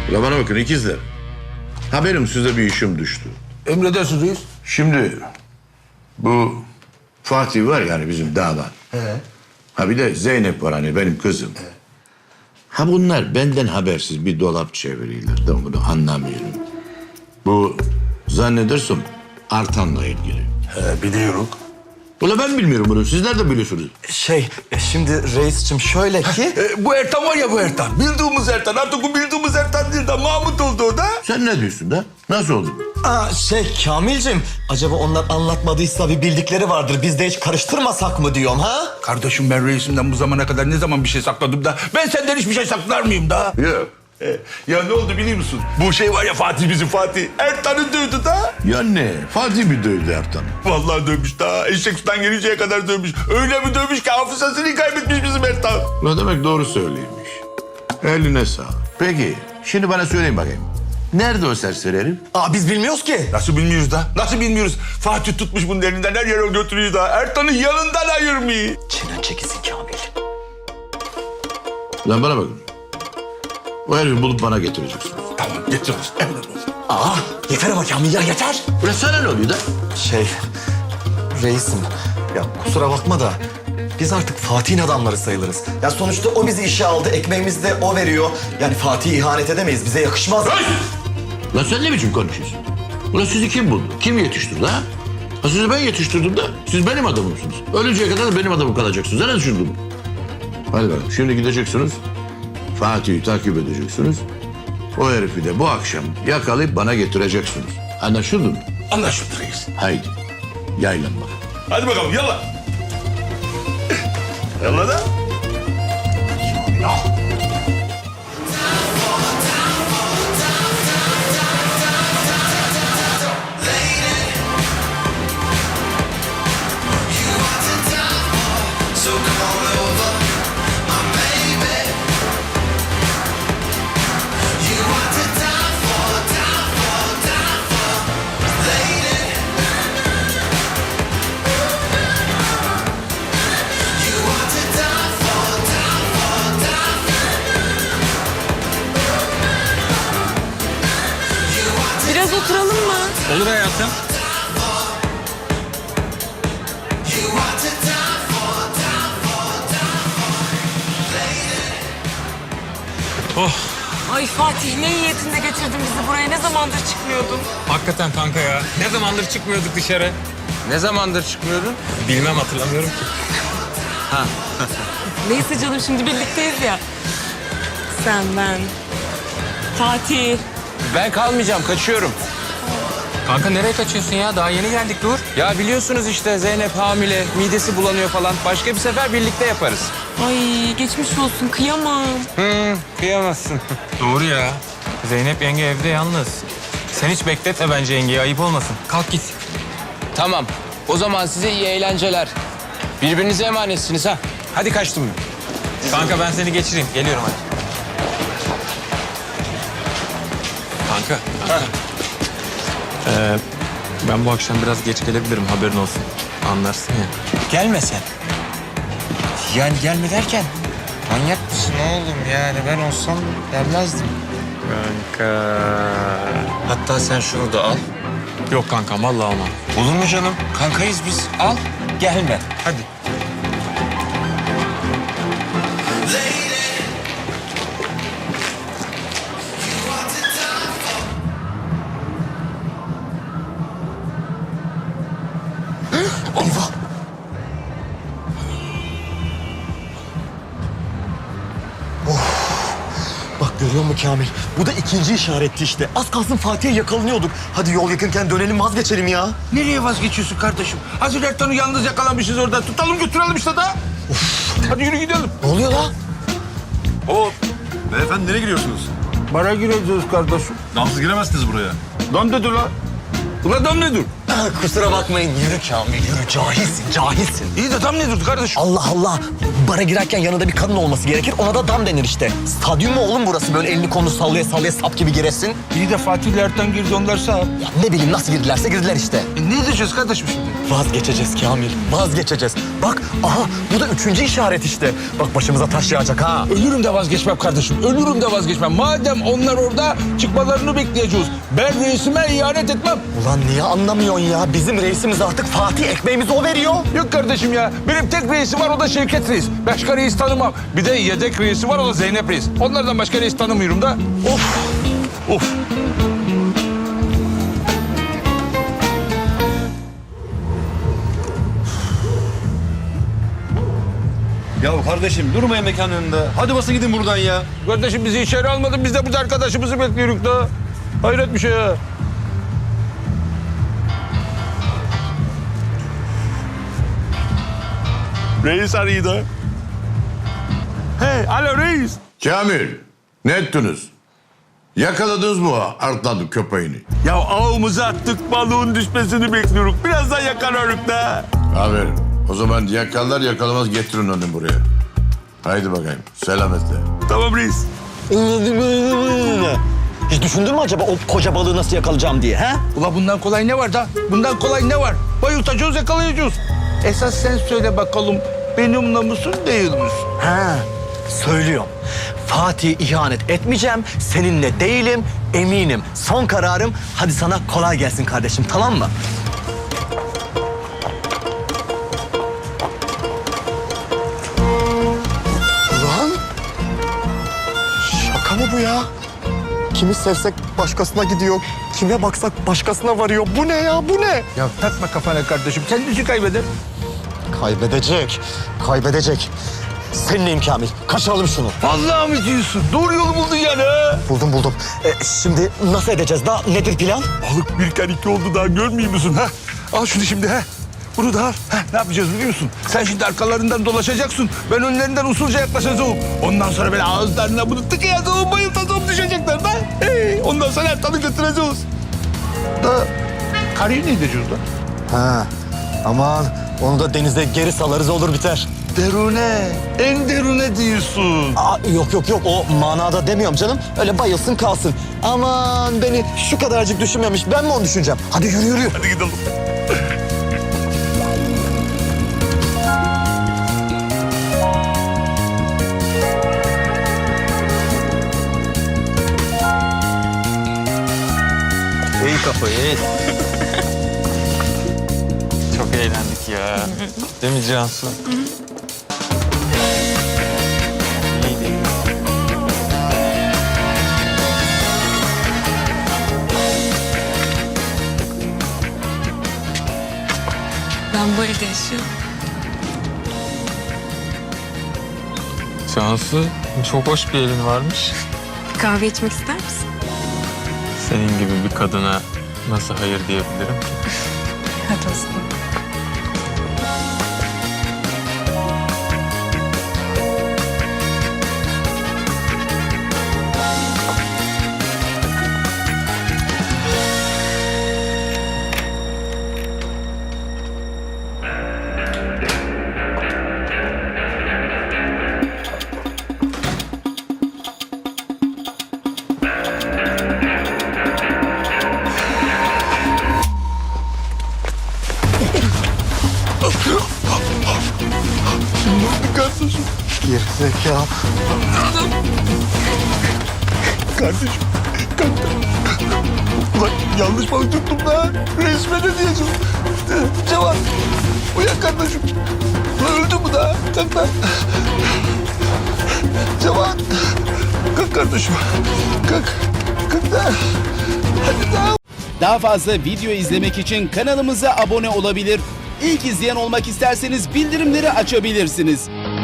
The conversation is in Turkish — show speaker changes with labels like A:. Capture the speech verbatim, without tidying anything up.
A: Ulan bana bakın ikizler. Haberim size bir işim düştü.
B: Emredersiniz reis.
A: Şimdi bu Fatih var yani bizim damat.
B: He.
A: Ha bir de Zeynep var hani benim kızım.
B: He.
A: Ha bunlar benden habersiz bir dolap çeviriyorlar. Ben bunu anlamıyorum. Bu zannedersem Artan'la ilgili.
B: He, biliyorum.
A: Ulan ben bilmiyorum bunu. Sizler de biliyorsunuz.
C: Şey, e, şimdi reisçim şöyle ki...
B: E, bu Ertan var ya bu Ertan. Bildiğimiz Ertan. Artık o bildiğimiz Ertan değil de Mahmut oldu o da.
A: Sen ne diyorsun da? Nasıl oldu?
C: Aa, şey Kamil'cim, acaba onlar anlatmadıysa bir bildikleri vardır. Biz de hiç karıştırmasak mı diyorum ha?
B: Kardeşim ben reisimden bu zamana kadar ne zaman bir şey sakladım da... ...ben senden hiçbir şey saklar mıyım da?
A: Yok.
B: E, ya ne oldu biliyor musun? Bu şey var ya Fatih bizim Fatih. Ertan'ı dövdü da.
A: Ya ne? Fatih mi dövdü Ertan'ı?
B: Vallahi dövmüş daha. Eşek sudan gelinceye kadar dövmüş. Öyle bir dövmüş ki hafızasını kaybetmiş bizim Ertan.
A: Ne demek doğru söylüyormuş. Eline sağlık. Peki şimdi bana söyleyin bakayım. Nerede o serseri herif?
C: Aa, biz bilmiyoruz ki.
B: Nasıl bilmiyoruz da? Nasıl bilmiyoruz? Fatih tutmuş bunun elinden her yere götürüyor da. Ertan'ı yanından ayırmıyor.
C: Çenen çekilsin Kamil.
A: Lan bana bakın. O herifi bulup bana getireceksiniz.
B: Tamam getiririz. Emredersiniz.
C: Aa, yeter ama Kamil ya, yeter.
A: Ulan sana ne oluyor da?
C: Şey, reisim, ya kusura bakma da... Biz artık Fatih'in adamları sayılırız. Ya sonuçta o bizi işe aldı, ekmeğimizi de o veriyor. Yani Fatih'e ihanet edemeyiz, bize yakışmaz.
A: Lan sen ne biçim konuşuyorsun? Ulan sizi kim buldu? Kim yetiştirdi ha? Ha sizi ben yetiştirdim de siz benim adamımsınız. Ölünceye kadar da benim adamım kalacaksınız. Ne düşündün? Hadi bakalım şimdi gideceksiniz. Fatih'i takip edeceksiniz. O herifi de bu akşam yakalayıp bana getireceksiniz. Anlaşıldı mı?
B: Anlaşıldı reis.
A: Haydi yaylan bak.
B: Hadi bakalım yalla. Yalla da.
D: Biraz oturalım mı?
E: Olur hayatım. Oh,
D: Ay Fatih, ne niyetinde getirdin bizi buraya? Ne zamandır çıkmıyordun?
E: hakikaten kanka ya. Ne zamandır çıkmıyorduk dışarı?
F: Ne zamandır çıkmıyordun?
E: Bilmem, hatırlamıyorum ki.
D: Neyse canım, şimdi birlikteyiz ya. Sen, ben, Fatih.
F: Ben kalmayacağım, kaçıyorum.
E: Kanka nereye kaçıyorsun ya? Daha yeni geldik, dur.
F: Ya biliyorsunuz işte Zeynep hamile, midesi bulanıyor falan. Başka bir sefer birlikte yaparız.
D: Ay geçmiş olsun, kıyamam.
F: Hı, kıyamazsın.
E: Doğru ya. Zeynep yenge evde yalnız. Sen hiç bekletme bence yengeyi, ayıp olmasın. Kalk git.
F: Tamam, o zaman size iyi eğlenceler. Birbirinize emanetsiniz ha. Hadi kaçtım ben.
E: Kanka ben seni geçireyim. Geliyorum hadi. Kanka. kanka. Ee, ben bu akşam biraz geç gelebilirim, haberin olsun. Anlarsın ya.
F: Gelme sen. Yani gelme derken manyak mısın oğlum yani ben olsam gelmezdim.
E: Kanka.
F: Hatta sen şunu da al.
E: Yok kankam, vallahi olmam.
F: Olur mu canım? Kankayız biz. Al, gelme.
E: Hadi.
C: Eyvah! Of! Bak görüyor musun Kamil? Bu da ikinci işaretti işte. Az kalsın Fatih'e yakalanıyorduk. Hadi yol yakınken dönelim, vazgeçelim ya.
B: Nereye vazgeçiyorsun kardeşim? Hazır Ertan'ı yalnız yakalamışız orada. Tutalım götürelim işte da. Hadi yürü gidelim.
C: Ne oluyor lan?
B: Hop.
G: Beyefendi nereye gidiyorsunuz?
B: Bara gireceğiz kardeşim.
G: Damsız giremezsiniz buraya.
B: Dön dedi lan. Ulan dön ne dur?
C: Kusura bakmayın. Yürü Kamil yürü. Cahilsin cahilsin.
B: İyi de tam ne durdu kardeşim?
C: Allah Allah. Bara girerken yanında bir kadın olması gerekir. Ona da dam denir işte. Stadyum mu oğlum burası? Böyle elini kolunu sallaya sallaya sap gibi giresin.
B: İyi de Fatih ile Ertan girdi onlar sağ.
C: Ya ne bileyim nasıl girdilerse girdiler işte.
B: E ne diyeceğiz kardeşim şimdi?
C: Vazgeçeceğiz Kamil. Vazgeçeceğiz. Bak aha bu da üçüncü işaret işte. Bak başımıza taş yağacak ha.
B: Ölürüm de vazgeçmem kardeşim. Ölürüm de vazgeçmem. Madem onlar orada çıkmalarını bekleyeceğiz. Ben reisime ihanet etmem.
C: Ulan niye anlamıyorsun ya? Bizim reisimiz artık Fatih, ekmeğimizi o veriyor.
B: Yok kardeşim ya. Benim tek reisi var o da Şevket Reis. Başka reis tanımam. Bir de yedek reisi var o da Zeynep Reis. Onlardan başka reis tanımıyorum da. Of. Of.
G: Ya kardeşim durmayın mekanın önünde. Hadi basın gidin buradan ya.
B: Kardeşim bizi içeri almadın. Biz de burada arkadaşımızı bekliyoruz da. Hayret bir şey ya. Reis arıyor da. Hey, alo reis.
A: Kamil, ne ettiniz? Yakaladınız mı o Artlandı köpeğini?
B: Ya ağımıza attık balığın düşmesini bekliyoruz. Birazdan yakalarız da.
A: Aferin. O zaman yakalar yakalamaz getirin onu buraya. Haydi bakayım, selametle.
B: Tamam reis.
C: Hiç düşündün mü acaba o koca balığı nasıl yakalayacağım diye ha?
B: Ula bundan kolay ne var da? Bundan kolay ne var? Bayıltacağız, yakalayacağız. Esas sen söyle bakalım. Benimle musun, değil misin?
C: Ha, söylüyorum. Fatih'e ihanet etmeyeceğim, seninle değilim, eminim. Son kararım, hadi sana kolay gelsin kardeşim, tamam mı? Ulan, şaka mı bu ya? Kimi sevsek başkasına gidiyor, kime baksak başkasına varıyor. Bu ne ya, bu ne?
B: Ya takma kafana kardeşim. Kendisi kaybeder.
C: Kaybedecek, kaybedecek. Seninleyim Kamil, kaçıralım şunu.
B: Vallahi mi diyorsun? Doğru yolu buldun yani ha.
C: Buldum buldum. Ee, şimdi nasıl edeceğiz daha? Nedir plan?
B: Balık bir kere iki oldu daha görmüyor musun ha? Al şunu şimdi ha. Bunu da al. Ha, ne yapacağız biliyor musun? Sen şimdi arkalarından dolaşacaksın. Ben önlerinden usulca yaklaşacağım. Ondan sonra böyle ağızlarına bunu tıkayacağım, bayıltacağım, düşecekler da. Hey, ondan sonra Ertan'ı götüreceğiz. Da karıyı ne edeceğiz da?
C: Ha, aman onu da denize geri salarız olur biter.
B: Derune, en derune diyorsun.
C: Aa, yok yok yok o manada demiyorum canım. Öyle bayılsın kalsın. Aman beni şu kadarcık düşünmemiş. Ben mi onu düşüneceğim? Hadi yürü yürü.
B: Hadi gidelim.
E: İyi kafayı iyi. Çok eğlendik ya. Değil mi Cansu? İyiydi.
D: Ben bu evde yaşıyorum.
E: Cansu çok hoş bir elin varmış.
D: Bir kahve içmek ister misin?
E: Senin gibi bir kadına nasıl hayır diyebilirim ki?
D: Hadi olsun.
B: Kardeşim,
C: Gir zeka.
B: kardeşim. Kalk. Ulan yanlış balık tuttum da. Resme ne diyeceğim? Cevat, uyan kardeşim. Ulan öldü mü da? Kalk da. Cevat, kalk kardeşim. Kalk, kalk da. Hadi da.
H: Daha fazla video izlemek için kanalımıza abone olabilir. İlk izleyen olmak isterseniz bildirimleri açabilirsiniz.